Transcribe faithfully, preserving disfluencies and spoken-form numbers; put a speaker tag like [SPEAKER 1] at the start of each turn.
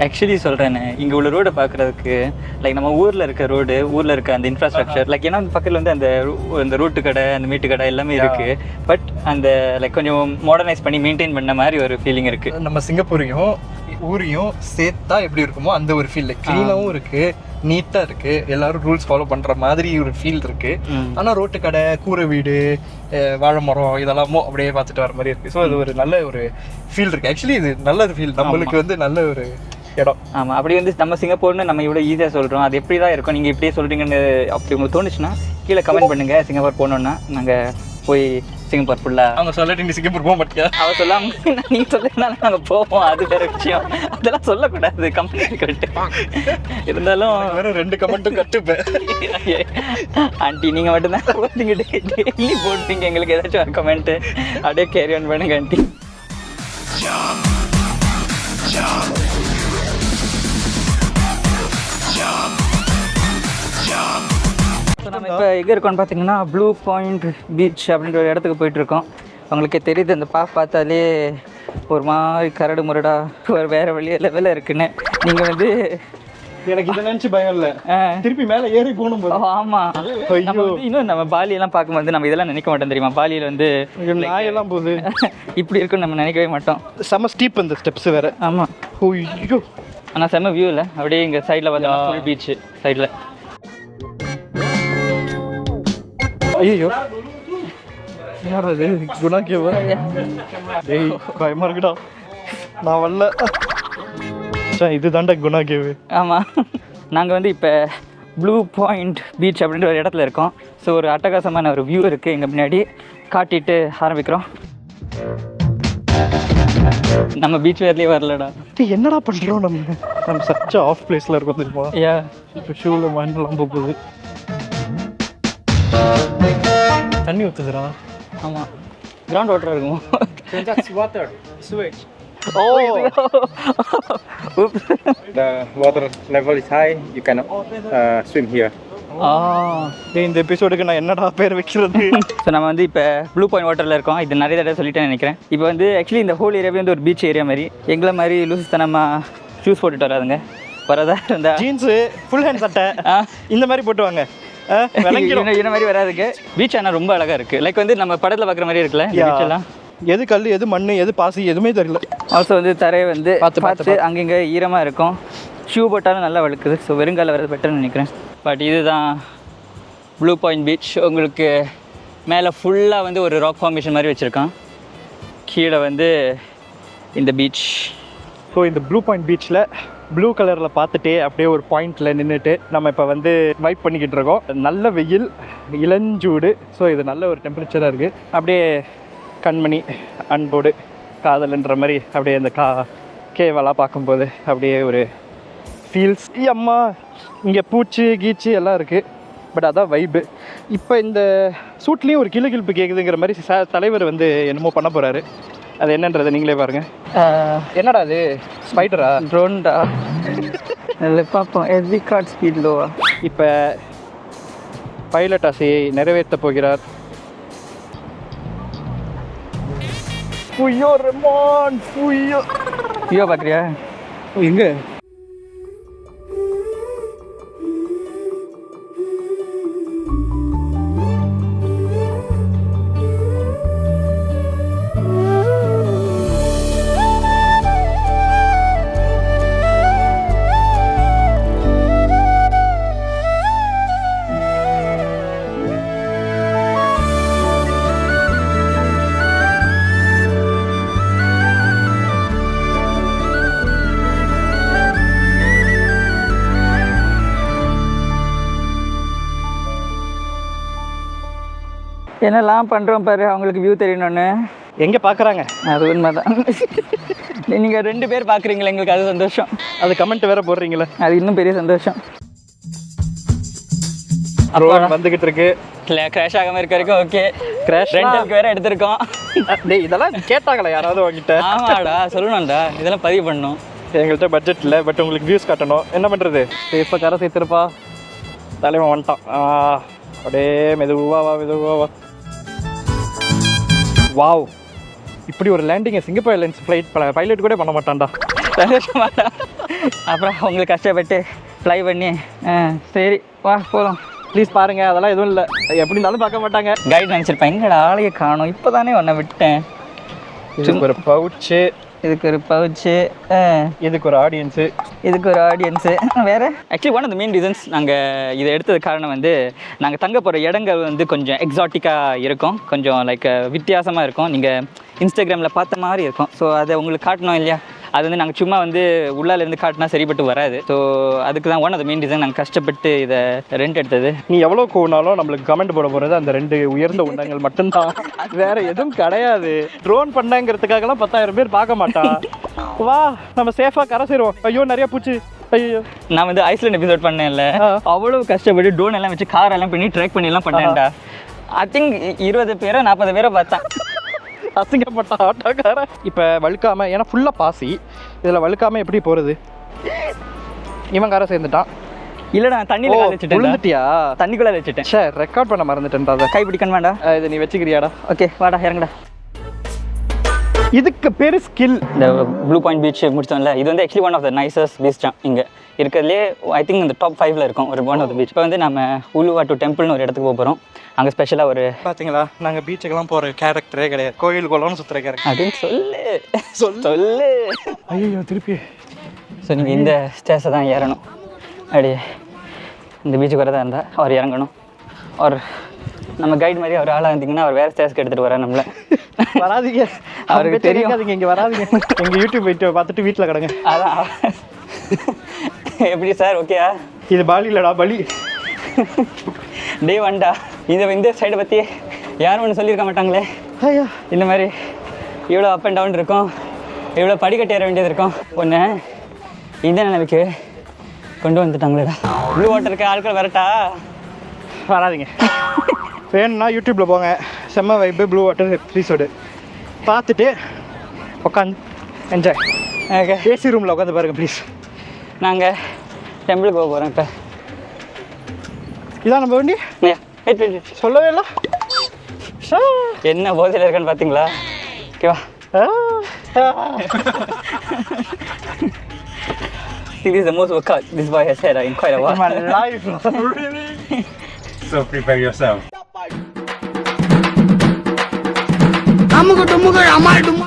[SPEAKER 1] Actually சொல்கிறேன்னு இங்கே உள்ள ரோடை பார்க்குறதுக்கு லைக் நம்ம ஊரில் இருக்க ரோடு ஊரில் இருக்க அந்த இன்ஃப்ராஸ்ட்ரக்சர் லைக் ஏன்னா பக்கத்தில் வந்து அந்த அந்த ரோட்டு கடை அந்த மீட்டு கடை எல்லாமே இருக்குது. பட் அந்த லைக் கொஞ்சம் மாடர்னைஸ் பண்ணி மெயின்டைன் பண்ண மாதிரி ஒரு ஃபீலிங் இருக்குது.
[SPEAKER 2] நம்ம சிங்கப்பூரையும் ஊரையும் சேர்த்தா எப்படி இருக்குமோ அந்த ஒரு ஃபீல் க்ளீனாகவும் இருக்குது, நீட்டாக இருக்குது, எல்லாரும் ரூல்ஸ் ஃபாலோ பண்ணுற மாதிரி ஒரு ஃபீல் இருக்குது. ஆனால் ரோட்டு கடை, கூரை வீடு, வாழை மரம் இதெல்லாமோ அப்படியே பார்த்துட்டு வர மாதிரி இருக்குது. ஸோ அது ஒரு நல்ல ஒரு ஃபீல் இருக்குது. ஆக்சுவலி இது நல்ல ஒரு ஃபீல், நம்மளுக்கு வந்து நல்ல ஒரு இடம்.
[SPEAKER 1] ஆமாம், அப்படி வந்து நம்ம சிங்கப்பூர்னு நம்ம இவ்வளோ ஈஸியாக சொல்கிறோம், அது எப்படி தான் இருக்கும், நீங்கள் இப்படியே சொல்கிறீங்கன்னு அப்படி உங்களுக்கு தோணுச்சுன்னா கீழே கமெண்ட் பண்ணுங்கள். சிங்கப்பூர் போகணுன்னா நாங்கள் போய் சிங்கப்பூர் ஃபுல்லாக
[SPEAKER 2] அவங்க சொல்லிட்டு நீ சிங்கப்பூர் போக மாட்டியா?
[SPEAKER 1] அவள் சொல்லாமல் நீங்கள் சொல்லினாலும் நாங்கள் போவோம், அது வேறு விஷயம். அதெல்லாம் சொல்லக்கூடாது கம்பெனி கட்டு. இருந்தாலும்
[SPEAKER 2] வேறு ரெண்டு கமெண்ட்டும் கட்டுப்பேன்.
[SPEAKER 1] ஆண்டி நீங்கள் மட்டும்தான் போட்டீங்க, டெய்லி போட்டீங்க எங்களுக்கு ஏதாச்சும் ஒரு கமெண்ட்டு அப்படியே கேரி ஆன் பண்ணுங்க ஆண்டி. நம்ம இப்போ எங்கே இருக்கோம்னு பார்த்தீங்கன்னா ப்ளூ பாயிண்ட் பீச் அப்படின்ற ஒரு இடத்துக்கு போயிட்டுருக்கோம். உங்களுக்கே தெரியுது அந்த பா பார்த்தாலே ஒரு மாதிரி கரடு முரடா ஒரு வேறு வழியே லெவலில் இருக்குன்னு. நீங்கள் வந்து
[SPEAKER 2] எனக்கு இதை நினச்சி பயம் இல்லை, திருப்பி மேலே ஏறி போகணும் போது.
[SPEAKER 1] ஆமாம், நம்ம வந்து இன்னும் நம்ம பாலியெல்லாம் பார்க்கும்போது நம்ம இதெல்லாம் நினைக்க மாட்டோம் தெரியுமா? பாலியில் வந்து
[SPEAKER 2] நாயெல்லாம் போகுது
[SPEAKER 1] இப்படி இருக்குன்னு நம்ம நினைக்கவே மாட்டோம்.
[SPEAKER 2] செம்ம ஸ்டீப் அந்த ஸ்டெப்ஸ் வேறு.
[SPEAKER 1] ஆமாம்,
[SPEAKER 2] ஐயோ
[SPEAKER 1] ஆனால் செம்ம வியூ இல்லை. அப்படியே இங்கே சைடில் வந்து ஃபுல் பீச்சு சைடில்.
[SPEAKER 2] ஐயோ யார் அது? குணா கேவா? டேய் பயமா இருக்குடா, நான் வரல. இது தாண்டா குணா கேவு.
[SPEAKER 1] ஆமாம், நாங்கள் வந்து இப்போ ப்ளூ பாயிண்ட் பீச் அப்படின்ற ஒரு இடத்துல இருக்கோம். ஸோ ஒரு அட்டகாசமான ஒரு வியூ இருக்குது எங்கள் முன்னாடி, காட்டிட்டு ஆரம்பிக்கிறோம். நம்ம பீச் வேர்லேயே வரலடா.
[SPEAKER 2] என்னடா பண்ணுறோம் நம்ம? நம்ம சச்ச ஆஃப் பிளேஸில் இருக்கோம் தெரியுமா?
[SPEAKER 1] ஏ
[SPEAKER 2] இப்போ ஷூவில் மண்ணெல்லாம் போகுது, தண்ணி ஊற்றுதுடா.
[SPEAKER 1] ஆமாம், கிரவுண்ட் வாட்டர் இருக்கும்.
[SPEAKER 2] water sewage.
[SPEAKER 1] Oh,
[SPEAKER 3] The water level is high. You cannot uh, swim here.
[SPEAKER 2] டேய் இந்த எபிசோடுக்கு நான் என்னடா பேர் வைக்கிறது?
[SPEAKER 1] ஸோ நம்ம வந்து இப்போ ப்ளூ பாயிண்ட் வாட்டரில் இருக்கோம். இது நிறைய தடவை சொல்லிட்டேன்னு நினைக்கிறேன். இப்போ வந்து ஆக்சுவலி இந்த ஹோல் ஏரியாவே வந்து ஒரு பீச் ஏரியா மாதிரி. எங்களை மாதிரி லூசுத்தனமாக ஷூஸ் போட்டுட்டு வராதுங்க, வரதா இருந்தா
[SPEAKER 2] ஜீன்ஸு ஃபுல் ஹேண்ட் சட்டை இந்த மாதிரி போட்டு வாங்க,
[SPEAKER 1] இந்த மாதிரி வராதுக்கு. பீச் ஆனால் ரொம்ப அழகாக இருக்குது. லைக் வந்து நம்ம படத்தில் பார்க்குற மாதிரி இருக்குல்ல பீச் எல்லாம்.
[SPEAKER 2] எது கல், எது மண், எது பாசி எதுவுமே தெரியல.
[SPEAKER 1] ஆல்சோ வந்து தரையை வந்து பார்த்து பார்த்து அங்கங்கே ஈரமாக இருக்கும். ஷூ போட்டாலும் நல்லா வழுக்குது. ஸோ வெறுங்கால வர்றது பெட்டர்னு நினைக்கிறேன். பட் இதுதான் ப்ளூ பாயிண்ட் பீச். உங்களுக்கு மேலே ஃபுல்லாக வந்து ஒரு ராக் ஃபார்மேஷன் மாதிரி வச்சுருக்கான், கீழே வந்து இந்த பீச்.
[SPEAKER 2] ஸோ இந்த ப்ளூ பாயிண்ட் பீச்சில் ப்ளூ கலரில் பார்த்துட்டே அப்படியே ஒரு பாயிண்டில் நின்றுட்டு நம்ம இப்போ வந்து வைப் பண்ணிக்கிட்டு இருக்கோம். நல்ல வெயில், இளஞ்சூடு. ஸோ இது நல்ல ஒரு டெம்பரேச்சராக இருக்குது. அப்படியே கண்மணி அன்போடு காதல்ன்ற மாதிரி அப்படியே இந்த கா கேவெல்லாம் பார்க்கும்போது அப்படியே ஒரு ஃபீல்ஸ். அம்மா இங்கே பூச்சி கீச்சு எல்லாம் இருக்குது, பட் அதான் வைப்பு. இப்போ இந்த சூட்லேயும் ஒரு கிளு கிழப்பு கேட்குதுங்கிற மாதிரி ச தலைவர் வந்து என்னமோ பண்ண போகிறாரு. அது என்னன்றதை நீங்களே பாருங்கள். என்னடா அது? ஸ்பைடரா?
[SPEAKER 1] ட்ரோன்டா? இல்லை பார்ப்போம். எஸ்டி கார்ட் ஸ்பீட் லோவா?
[SPEAKER 2] இப்போ பைலட் ஆசையை நிறைவேற்ற போகிறார். புயோ ரெமான் புயோ
[SPEAKER 1] ஐயோ பார்க்குறியா?
[SPEAKER 2] எங்கே?
[SPEAKER 1] என்னெல்லாம் பண்ணுறோம் பாரு, அவங்களுக்கு வியூ தெரியணுன்னு.
[SPEAKER 2] எங்கே பார்க்குறாங்க?
[SPEAKER 1] அது உண்மை தான். நீங்கள் ரெண்டு பேர் பார்க்குறீங்களா, எங்களுக்கு அது சந்தோஷம்.
[SPEAKER 2] அது கமெண்ட் வேறு போடுறீங்களே,
[SPEAKER 1] அது இன்னும் பெரிய சந்தோஷம்.
[SPEAKER 2] ட்ரோன் வந்துக்கிட்டு இருக்கு.
[SPEAKER 1] இல்லை கிராஷ் ஆகாமல் இருக்க வரைக்கும் ஓகே. கிராஷ் ரெண்டலுக்கு வேறு எடுத்திருக்கோம்.
[SPEAKER 2] டேய் இதெல்லாம் கேட்டாங்களா யாராவது வாங்கிட்ட?
[SPEAKER 1] ஆமாடா, சொல்லணும்டா, இதெல்லாம் பதிவு பண்ணணும்.
[SPEAKER 2] எங்கள்கிட்ட பட்ஜெட் இல்லை, பட் உங்களுக்கு வியூஸ் காட்டணும். என்ன பண்ணுறது? இப்போ கரை சேர்த்துருப்பா, தலைவன் வந்துட்டான். அப்படியே மெதுவா வா, மெதுவா வா. வாவ், இப்படி ஒரு லேண்டிங்கை சிங்கப்பூர் ஏர்லைன்ஸ் ஃப்ளைட் பைலட் கூட பண்ண மாட்டான்டா.
[SPEAKER 1] அப்புறம் அவங்களுக்கு கஷ்டப்பட்டு ஃப்ளை பண்ணி ஆ, சரி வா போகலாம்.
[SPEAKER 2] ப்ளீஸ் பாருங்கள், அதெல்லாம் எதுவும் இல்லை, எப்படி இருந்தாலும் பார்க்க மாட்டாங்க.
[SPEAKER 1] கைட் நினச்சிருப்பேன், எங்கடா ஆளையை காணும், இப்போ தானே ஒன்றை விட்டேன்.
[SPEAKER 2] இதுக்கு ஒரு பவுச்சு,
[SPEAKER 1] இதுக்கு ஒரு பவுச்சு,
[SPEAKER 2] இதுக்கு ஒரு ஆடியன்ஸு,
[SPEAKER 1] இதுக்கு ஒரு ஆடியன்ஸு. வேறு actually one of the main reasons நாங்கள் இதை எடுத்தது காரணம் வந்து நாங்கள் தங்க போகிற இடங்கள் வந்து கொஞ்சம் எக்ஸாட்டிக்காக இருக்கும், கொஞ்சம் லைக் வித்தியாசமாக இருக்கும், நீங்கள் இன்ஸ்டாகிராமில் பார்த்த மாதிரி இருக்கும். ஸோ அதை உங்களுக்கு காட்டணும் இல்லையா, அது வந்து நாங்கள் சும்மா வந்து உள்ளாலேருந்து காட்டினா சரிப்பட்டு வராது. ஸோ அதுக்கு தான் one of the main reason நாங்கள் கஷ்டப்பட்டு இதை ரெண்ட் எடுத்தது.
[SPEAKER 2] நீ எவ்வளோ கோனாலும் நம்மளுக்கு கமெண்ட் போட போகிறது அந்த ரெண்டு உயர்ந்த உண்டங்கள் மட்டும்தான், வேற எதுவும் கிடையாது. ட்ரோன் பண்ணங்கிறதுக்காகலாம் பத்தாயிரம் பேர் பார்க்க மாட்டான். வா நம்ம சேஃபாக கரை சேருவோம். ஐயோ நிறைய பூச்சி, ஐயோ.
[SPEAKER 1] நான் வந்து ஐஸ்லாண்ட் எபிசோட் பண்ணேன்ல, அவ்வளோ கஷ்டப்பட்டு ட்ரோன் எல்லாம் வச்சு கார் எல்லாம் பண்ணி ட்ராக் பண்ணி எல்லாம் பண்ணேன்டா. ஐ திங்க் இருபது பேரோ நாற்பது பேரோ பார்த்தேன்.
[SPEAKER 2] அசிங்கப்பட்ட ஆட்டோக்கார. இப்போ வழுக்காம, ஏன்னா ஃபுல்லாக பாசி, இதில் வழுக்காம எப்படி போகிறது? இவன் காரை சேர்ந்துட்டான்.
[SPEAKER 1] இல்லைடா தண்ணியில் கால் வச்சுட்டேன்.
[SPEAKER 2] விழுந்துட்டியா?
[SPEAKER 1] தண்ணிக்குள்ளே வச்சுட்டேன்.
[SPEAKER 2] சே ரெக்கார்ட் பண்ண மறந்துட்டேன்டா. அதை
[SPEAKER 1] கை பிடிக்கணும் வேண்டாம்,
[SPEAKER 2] இது நீ வச்சுக்கிறியாடா?
[SPEAKER 1] ஓகே வாடா இறங்குடா.
[SPEAKER 2] இதுக்கு பேர் ஸ்கில்.
[SPEAKER 1] இந்த ப்ளூ பாயிண்ட் பீச் முடிச்சோம்ல, இது வந்து actually one of the nicest beach தான் இங்கே இருக்கிறதுலே. ஐ திங்க் இந்த டாப் ஃபைவ்ல இருக்கும் ஒரு ஒன் ஆஃப் த பீச். இப்போ வந்து நம்ம உலுவாட்டு டெம்பிள்னு ஒரு இடத்துக்கு போக போகிறோம். அங்கே ஸ்பெஷலாக ஒரு
[SPEAKER 2] பார்த்தீங்களா, நாங்கள் பீச்சுக்கெல்லாம் போகிற கேரக்டரே கிடையாது, கோயில் குளம்னு சுற்றுற கேரக்டர்
[SPEAKER 1] அப்படின்னு சொல்லு சொல் சொல்லு.
[SPEAKER 2] ஐயோ திருப்பி.
[SPEAKER 1] ஸோ நீங்கள் இந்த ஸ்டேஸை தான் ஏறணும். அப்படியே இந்த பீச்சுக்கு வரதா இருந்தால் அவர் இறங்கணும். அவர் நம்ம கைட் மாதிரி அவர் ஆளாக இருந்தீங்கன்னா அவர் வேறு ஸ்டேஸ்க்கு எடுத்துகிட்டு வரேன் நம்மளை.
[SPEAKER 2] வராதிங்க,
[SPEAKER 1] அவருக்கு தெரியும்.
[SPEAKER 2] அதுங்க இங்கே வராதிங்க, எங்கள் யூடியூப் போயிட்டு பார்த்துட்டு வீட்டில் கிடங்க.
[SPEAKER 1] அதான் எப்படி சார் ஓகேயா?
[SPEAKER 2] இது பாலி இல்லைடா, பலி.
[SPEAKER 1] டே வண்டா, இந்த இந்த சைடை பற்றி யாரும் ஒன்று சொல்லியிருக்க மாட்டாங்களே.
[SPEAKER 2] ஐயா
[SPEAKER 1] இந்த மாதிரி இவ்வளோ அப் அண்ட் டவுன் இருக்கும், இவ்வளோ படிக்கட்டு ஏற வேண்டியது இருக்கும். ஒன்று இந்த நிலைமைக்கு கொண்டு வந்துட்டாங்களேடா. ப்ளூ வாட்டருக்கு ஆட்கள் வரட்டா?
[SPEAKER 2] வராதிங்க. வேணும்னா யூடியூப்பில் போங்க, செம்ம வைப்பு ப்ளூ வாட்டர் எபிசோடு பார்த்துட்டு உட்காந்து என்ஜாய்.
[SPEAKER 1] ஓகே,
[SPEAKER 2] ஏசி ரூமில் உட்காந்து பாருங்கள் ப்ளீஸ்.
[SPEAKER 1] நாங்கள் டெம்பிளுக்கு போக போகிறோம். இப்போ
[SPEAKER 2] இதான் நம்ம வண்டி.
[SPEAKER 1] வெயிட் வெயிட்
[SPEAKER 2] சொல்லவே இல்லை.
[SPEAKER 1] என்ன போதையில் இருக்கான்னு பார்த்தீங்களா? ஓகேவா? This is the most workout this boy has had in quite a while.
[SPEAKER 2] In my life.
[SPEAKER 3] Really? So prepare yourself.
[SPEAKER 4] அமுகு டுமுகு அமால் டுமுகு